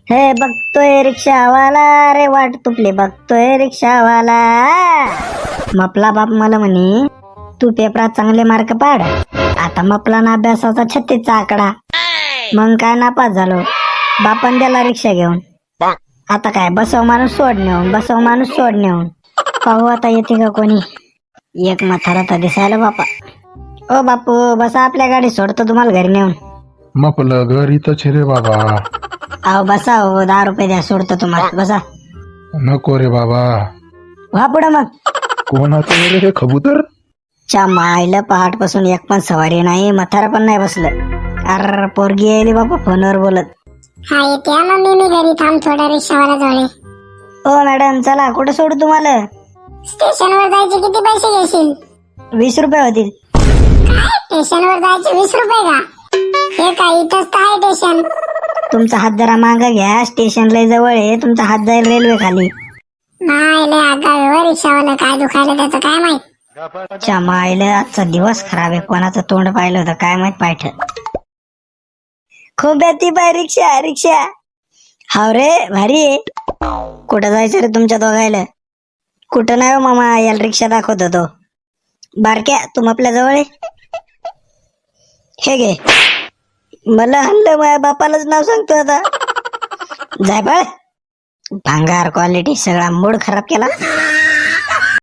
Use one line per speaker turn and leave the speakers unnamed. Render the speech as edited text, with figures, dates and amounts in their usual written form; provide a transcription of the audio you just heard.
हे बघतोय रिक्षावाला रे वाट तुपले बघतोय रिक्षावाला. मपला बाप मला म्हणे तू पेपरात चांगले मार्क पाड. आता मपला ना अभ्यासाचा 36चा आकडा. मग काय नापास झालो. बापान द्याला रिक्षा घेऊन. आता काय बसव माणूस सोड नेऊन, बसव माणूस सोड नेऊन. पाहू आता येते का कोणी. एक म्हातारा तर दिसायला बापा. ओ बापू बसा, आपल्या गाडी सोडतो तुम्हाला घरी नेऊन.
मपलं घर इथंच रे बाबा.
अहो बसा हो, 10 रुपये द्या, सोडतो तुम्हाला. बसा.
नको रे बाबा.
व्हा पुढं मग.
कोणाचं रे हे कबूतर?
च्या मायला पहाटपासून एक पण सवारी नाही, म्हातारा पण नाही बसलं. अर पोरगी यायली बापा फोनवर बोलत.
हा येते मम्मी, मी घरी थांब थोडा रिक्षावाला जवळ.
ओ मॅडम चला, कुठं सोडू तुम्हाला?
स्टेशनवर जायचे किती पैसे घेशील?
20 रुपये होतील.
स्टेशनवर जायचे 20 रुपये का? हे काय इथंच तर आहे स्टेशन.
तुमचा हात जरा मागं घ्या, स्टेशन लय जवळ आहे. तुमचा हात जाईल रेल्वे खाली.
नाही लय आगाव रिक्षावाला, काय दुखायला त्याचं काय माहित.
च्या मायला आजचा दिवस खराब आहे. कोणाचं तोंड पाहिलं होतं काय माहित पायठ. खूप येते बाय रिक्षा रिक्षा. हाव रे भारी आहे. कुठं जायचं रे तुमच्या दोघायला? कुठं नाही हो मामा, याला रिक्षा दाखवत होतो. बारक्या तू आपल्या जवळ आहे. हे घे. मला हल्लं, माझ्या बापालाच नाव सांगतो आता. जाय बाळ. भांगार क्वालिटी, सगळा मूड खराब केला.